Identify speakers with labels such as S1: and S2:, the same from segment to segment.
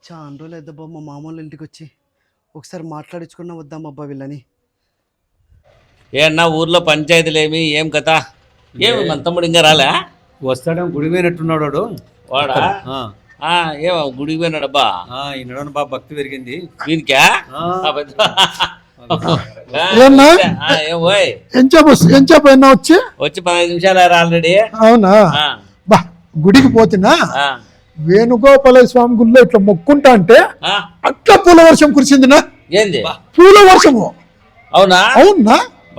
S1: చాలా రోజులు అయిద్దబ్బా మా మామూలు ఇంటికి వచ్చి ఒకసారి మాట్లాడించుకున్నా వద్దామబ్బా వీళ్ళని.
S2: ఏ అన్నా ఊర్లో పంచాయతీలేమి ఏం కథ? ఏమి మన తమ్ముడు ఇంకా రాలే?
S3: వస్తాడేమో గుడి పోయినట్టున్నాడు వాడు.
S2: వాడా? ఏమో గుడికి పోయినాడబ్బా.
S3: ఈ నడవన బాగా భక్తి పెరిగింది
S2: వీనికా?
S4: ఏమన్నా వచ్చి
S2: 15 నిమిషాలు ఆల్రెడీ.
S4: అవునా బా గుడికి పోతున్నా వేణుగోపాల స్వామి గుడిలో ఇట్లా మొక్కుంటా అంటే అట్లా పూల వర్షం కురిసిందినా.
S2: ఏంది
S4: పూల వర్షము?
S2: అవునా?
S4: అవునా?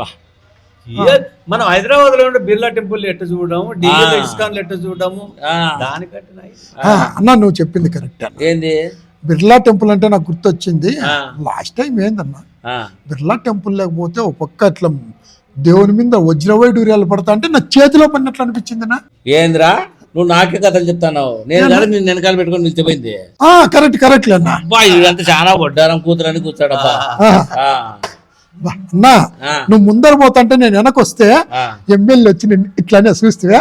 S3: మనం హైదరాబాద్ లో ఉండే బిర్లా టెంపుల్ ఎట్ట చూడము, ఇస్కాన్ ఎట్ట చూడము, దానికంటే
S4: అన్నా నువ్వు చెప్పింది కరెక్ట్.
S2: ఏంది
S4: బిర్లా టెంపుల్ అంటే నాకు గుర్తొచ్చింది. లాస్ట్ టైం ఏందన్నా బిర్లా టెంపుల్ లేకపోతే ఒక పక్క అట్లా దేవుని మీద వజ్రవైడూర్యాలు పడతా అంటే నా చేతిలో పడినట్లు అనిపించిందినా.
S2: ఏంద్రా నువ్వు నాకే కథలు చెప్తాను? నేను కదా నేను వెనకాల పెట్టుకొని నిలిచిపోయింది.
S4: కరెక్ట్ కరెక్ట్ లేనా.
S2: ఇదంతా చాలా వడ్డారం కూతురని కూర్చాడబ్బా.
S4: అన్నా నువ్వు ముందర పోతాంటే నేను వెనకొస్తే ఎమ్మెల్యే వచ్చి నేను ఇట్లానే చూస్తే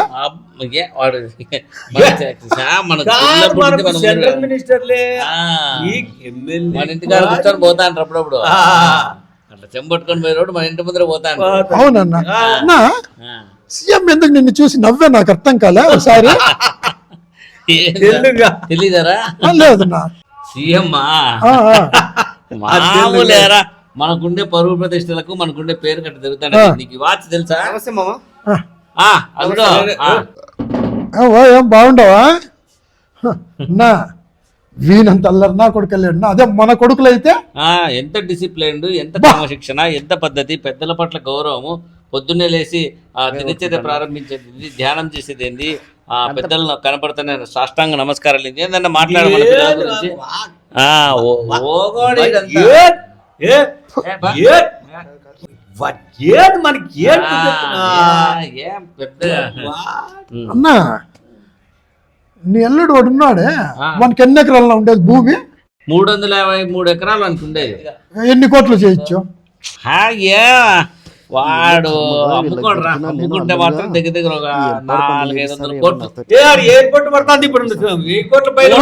S2: మన ఇంటికాడ కూర్చొని పోతా అంటారు అప్పుడప్పుడు. అట్లా చెంబట్టుకొని పోయినప్పుడు మన ఇంటి ముందర పోతా అంటారు.
S4: అవునన్నా సీఎం ఎందుకు నిన్ను చూసి నవ్వే నాకు అర్థం కాలే ఒకసారి.
S2: తెలీదరా?
S4: లేదన్నా
S2: సీఎం మామూలేరా, మనకుండే పరువు ప్రతిష్టలకు మనకుండే పేరు కట్ట తిరుగుతాడు. నీకు వాచ్ తెలుసా?
S4: ఏం బాగుండవా అన్నా? వీనంత అల్లరి నా కొడుకు వెళ్ళాడు. అదే మన కొడుకులు అయితే
S2: ఎంత డిసిప్లైన్డ్, ఎంత క్రమశిక్షణ, ఎంత పద్ధతి, పెద్దల పట్ల గౌరవము, పొద్దున్నే లేచి దినచర్య ప్రారంభించేది, ధ్యానం చేసేది ఏంది, పెద్దలను కనపడుతున్న సాష్టాంగ నమస్కారాలు ఏంది, ఏందన్నా మాట్లాడమని పిల్లల గురించి.
S4: అన్నా నీ అల్లుడు వాడు ఉన్నాడే, మనకి ఎన్ని ఎకరాల్లో ఉండేది భూమి?
S2: 353 ఎకరాలు అనుకుండేది.
S4: ఎన్ని కోట్లు చేయొచ్చు?
S2: వాడు అమ్ముకోడరా, అమ్ముకుంటే మాత్రం దగ్గర దగ్గర ఒక 400-500 కోట్లు.
S3: ఎయిర్పోర్ట్ పడుతుంది ఇప్పుడు. 1000 కోట్ల పైన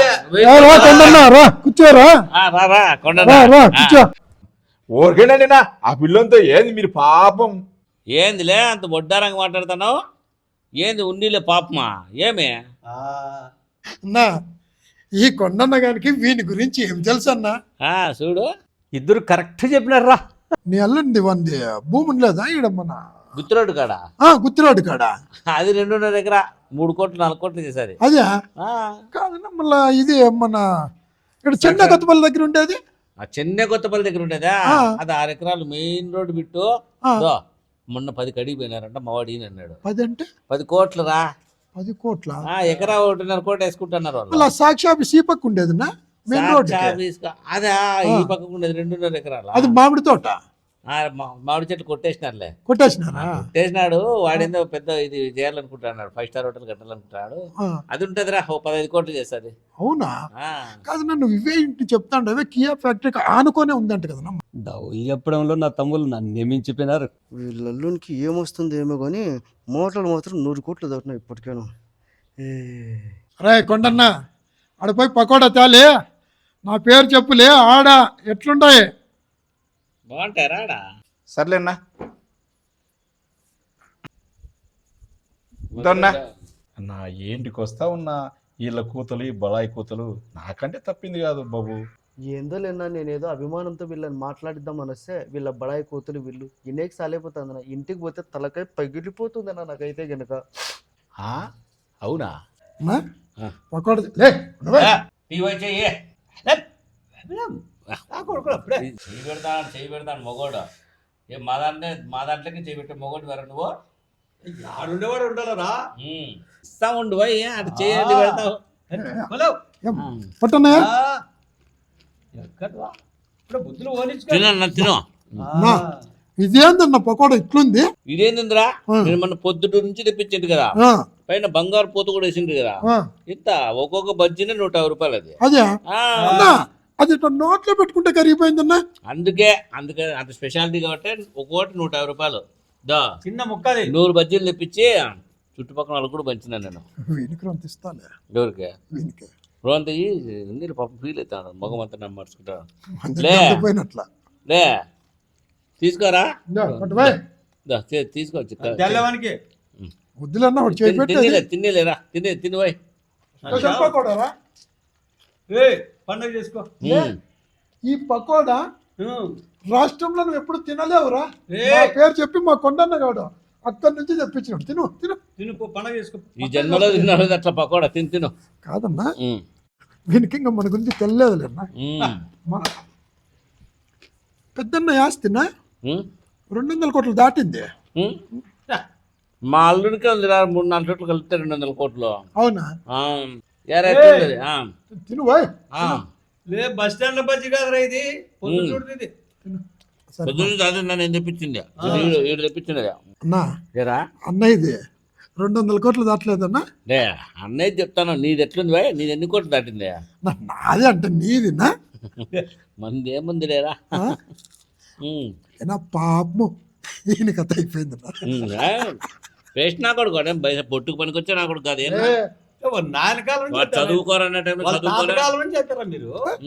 S4: కూర్చోరా కూర్చో.
S5: ఓరికేనండినా ఆ పిల్లంతో ఏంది మీరు పాపం?
S2: ఏందిలే అంత వడ్డారంగా మాట్లాడుతున్నావు? ఏంది ఉన్నీలే పాపమా? ఏమే
S4: అన్నా ఈ కొండన్న గారికి వీని గురించి ఏం తెలుసు అన్నా?
S2: చూడు
S3: ఇద్దరు కరెక్ట్ చెప్పినారా.
S4: నీ అల్లుంది వంది భూమి లేదా ఈడ మన
S2: గుత్తిరోడ్డు కాడ?
S4: గుత్తిరోడ్డు కాడ
S2: అది 2.5 ఎకరా 3 కోట్లు 4 కోట్లు చేసేది.
S4: అదే కాదన్నా మళ్ళా ఇది మన ఇక్కడ చెన్నై కొత్తపల్లి దగ్గర ఉండేది.
S2: చెన్నై కొత్తపల్లి దగ్గర ఉండేదా? అది 6 ఎకరాలు మెయిన్ రోడ్డు బిట్టు. మొన్న 10 కడిగి పోయినారంట మావాడు ఈయన అన్నాడు.
S4: 10 అంటే
S2: 10 కోట్లు రా.
S4: 10 కోట్ల?
S2: ఎకరా 1.5 కోట్లు వేసుకుంటున్నారు
S4: వాళ్ళు. సాక్షి ఆఫీస్ ఈ పక్క ఉండేది మెయిన్ రోడ్.
S2: అదే ఈ పక్కకు ఉండేది 2.5 ఎకరాలు.
S4: అది మామిడి తోట.
S2: మామిడి చెట్లు
S4: కొట్టేసినాడు.
S2: వాడేందో పెద్ద ఇది చేయాలనుకుంటున్నాడు, 5 స్టార్ హోటల్ కట్టాలనుకుంటున్నాడు. అది ఉంటదిరా 15 కోట్లు చేస్తుంది.
S4: అవునా? కాదు నన్ను ఇవే ఇంటి చెప్తాండు. అవే కియా ఫ్యాక్టరీకి ఆనుకోనే ఉందంట కదా.
S3: డౌలు చెప్పడంలో నా తమ్ముళ్ళు నన్ను నియమించిపోయినారు.
S1: వీళ్ళల్లునికి ఏమొస్తుంది ఏమో కానీ మోటార్లు మాత్రం 100 కోట్లు దాటినాయి ఇప్పటికేను.
S4: రే కొండన్న ఆడపోయి పకోడా తేలే, నా పేరు చెప్పులే ఆడ ఎట్లుంటాయి
S2: బాగుంటారా?
S5: సర్లేనా నా ఏంటికి వస్తా ఉన్నా వీళ్ళ కూతలు, ఈ బళాయి కూతలు నాకంటే తప్పింది కాదు బాబు.
S1: ఏందో లేనా, నేనేదో అభిమానంతో వీళ్ళని మాట్లాడిద్దామని వస్తే వీళ్ళ బడాయి కూతురు వీళ్ళు ఇన్నేకి సాలైపోతుందన్న. ఇంటికి పోతే తలకాయ పగిలిపోతుందన్న నాకైతే గనక.
S2: అవునా?
S4: పకోడా
S2: చేయి పెడతాను మొగోడు. మా దాంట్లోకి చేయి పెట్టే మొగోడు వేరే. నువ్వు
S3: ఆడుండేవాడు ఉండాలరా.
S2: ఇస్తా ఉండు అటు చేయండి పెడతావు. తిను.
S4: ఇదేందన్న పకోడా ఇట్లుంది?
S2: ఇదేందిరా నేను మన పొద్దుట నుంచి తెప్పించింది కదా, పైన బంగారు పూత కూడా వేసింది కదా. ఇంత ఒక్కొక్క బజ్జీనే 150 రూపాయలు. అది
S4: అదే అది నోట్లో పెట్టుకుంటే కరిగిపోయిందన్నా.
S2: అందుకే అంత స్పెషాలిటీ కాబట్టి ఒక్కోటి 150 రూపాయలు.
S3: చిన్న ముక్కది
S2: 100 బజ్జీలు తెప్పించి చుట్టుపక్కల వాళ్ళకి కూడా పంచినాను నేను.
S4: వీనికి అంత ఇస్తాలే.
S2: ఎవరికి? రోంత నీళ్ళు పాపం ఫీల్ అవుతాడు మొగం అంతా నమ్మర్చుకుంటాడు
S4: అందరికీ
S2: లే.
S4: అర్థమైనట్లా.
S2: లే తీసుకోరా
S4: ఇందా, పట్టుపోయ్.
S2: తీసుకోవచ్చు
S3: తెల్లవానికి
S4: వద్దులన్నా ఒకటి చేయి పెట్టేది.
S2: తినేలేరా తిని పోయి
S4: స్పెషల్ పకోడారా?
S3: పండుగ చేసుకో.
S4: ఈ పకోడా
S3: ఉమ్.
S4: రాష్ట్రంలో నువ్వు ఎప్పుడు తినలేవురా.
S3: ఏ.
S4: మా పేరు చెప్పి మా కొండన్న కాడు అక్కడి నుంచి తెప్పించినాడు. తిను తిను.
S3: తినుకో, పండుగ చేసుకో.
S2: ఈ జన్మలో తిన్నాడు అట్లా పకోడా తిను
S4: కాదన్నా వీనికి ఇంకా మన గురించి తెలియదులేనా. మన పెద్దన్న ఆస్తినా 200 కోట్లు దాటింది.
S2: మా అల్లుడికి ఉందిరా 3-4 చోట్ల కలిపితే 200 కోట్లు.
S4: అవునా? తిను బాయ్.
S3: లే బస్ స్టాండ్ లో బజ్జి కాదురా ఇది, పొద్దు చూడుతుంది.
S2: నేను తెప్పించింది ఈడు తెప్పించింది
S4: అన్నా
S2: ఏరా
S4: అన్న ఇది 200 కోట్లు దాటలేదన్నా.
S2: లే అన్నయ్య చెప్తాను, నీది ఎట్లుంది బాయ్, నీది ఎన్ని కోట్లు దాటింది?
S4: నాదే అంటే నీదినా?
S2: మంది ఏముంది లేరా.
S4: ఏనా పాపము ఈయన కథ అయిపోయింది.
S2: వేస్ట్ నా కొడుకు పొట్టుకు పనికొచ్చా నా కొడుకు కాదు.
S3: నాయనకాలం
S2: చదువుకోరన్న టైంలో చదువుకోరా
S3: చేస్తారా మీరు?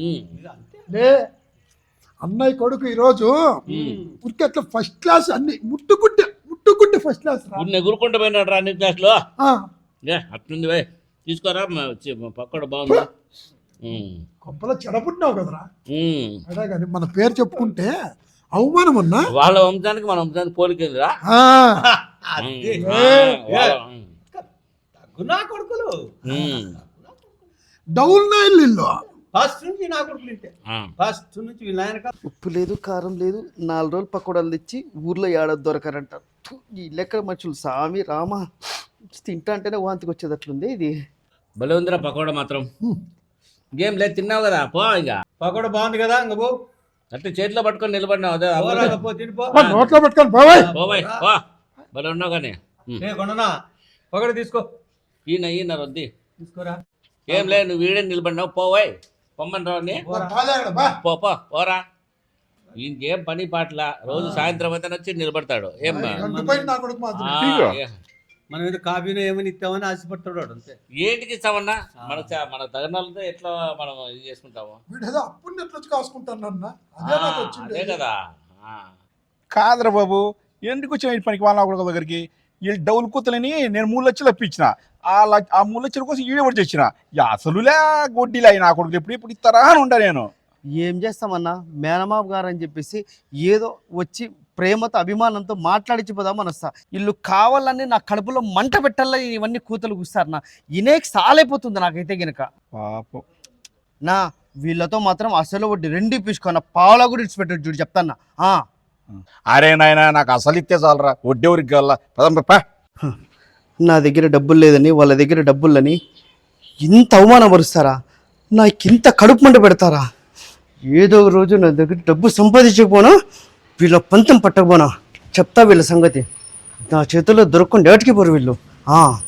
S4: అన్నయ్య కొడుకు ఈరోజు ఉరికి అట్లా ఫస్ట్ క్లాస్ అన్ని ముట్టుకుంటే ఫస్ట్ క్లాస్
S2: ఎగురుకుంటూ పోయినాడు రా అన్ని క్లాస్లో. అట్లుంది బాయ్ తీసుకోరా పక్కడ బాగుంది.
S4: కొంపలో చెడపుట్టినావు కదరా. అదే కానీ మన పేరు చెప్పుకుంటే అవమానం అన్నా.
S2: వాళ్ళ వంశానికి మన వంశానికి పోలికేదిరా.
S3: నా కొడుకులు
S4: డౌల్ నైన్లో
S3: ఫస్ట్ నుంచి నా కొడుకులు ఇంటే. ఫస్ట్ నుంచి వీళ్ళ ఆయన
S1: ఉప్పు లేదు కారం లేదు 4 రోజులు పకోడాలు తెచ్చి ఊర్లో ఏడాది దొరకరంటారు. ఈ లెక్క మనుషులు సామి రామా తింటా అంటేనే వాంతికి వచ్చేది అట్లుంది ఇది.
S2: భలే ఉందిరా పకోడా మాత్రం. గేమ్ లేదు తిన్నావు కదా పో. ఇక
S3: పకోడా బాగుంది కదా, ఇంక పో.
S2: అట్లా చేతిలో పట్టుకొని నిలబడినావు అదే
S3: పో, తినిపో.
S4: నోట్లో పెట్టుకొని పోవాయి.
S2: పోబాయ్ పో భలే ఉన్నావు కానీ.
S3: కొండనా పకోడా తీసుకో.
S2: ఈయన రొద్ది
S3: తీసుకోరా.
S2: ఏం లేదు నువ్వు వీడే నిలబడినావు పోవాయి పొమ్మని రావని పోరా. ఇంకేం పని పాటల రోజు సాయంత్రం అయితే వచ్చి నిలబడతాడు. ఏం
S3: మనం ఏదో కాఫీనో ఏమని ఇస్తామని ఆశపడతాడు అంతే.
S2: ఏంటికి ఇస్తామన్నా మన తగినాలతో ఎట్లా మనం ఇది చేసుకుంటాము. అదే కదా.
S5: కాదురా బాబు, ఎందుకు వచ్చిన పనికి వాళ్ళ కొడుకు దగ్గరికి? వీళ్ళు డౌల్ కూతులని నేను 3 లక్షలు అప్పించిన. ఆ 3 లక్షల కోసం ఈడే పడి తెచ్చిన. అసలులే గొడ్డీలు అయినా కొడుకు ఎప్పుడు ఇస్తారా అని ఉంటా నేను.
S1: ఏం చేస్తామన్నా మేనమాబు గారు అని చెప్పేసి ఏదో వచ్చి ప్రేమతో అభిమానంతో మాట్లాడించిపోదాం అనొస్తా. వీళ్ళు కావాలని నా కడుపులో మంట పెట్టాలని ఇవన్నీ కూతలు కూస్తారు నా. ఇనేకి సాలైపోతుంది నాకైతే గనక.
S5: పాపం
S1: నా వీళ్ళతో మాత్రం అసలు వడ్డీ 2 ఇప్పించుకున్న పావులా కూడా ఇడిచిపెట్టాడు చూడు చెప్తాన్నా.
S5: అరే నాయన నాకు అసలు ఇస్తే చాలరా, వడ్డేవరికి కావాలా పదంపా.
S1: నా దగ్గర డబ్బులు లేదని వాళ్ళ దగ్గర డబ్బులని ఇంత అవమానపరుస్తారా? నాకింత కడుపు మంట పెడతారా? ఏదో రోజు నా దగ్గర డబ్బు సంపాదించకపోనా వీళ్ళ పంతం పట్టకపోనా చెప్తా వీళ్ళ సంగతి. నా చేతుల్లో దొరకకుండా ఏటికి పోరు వీళ్ళు.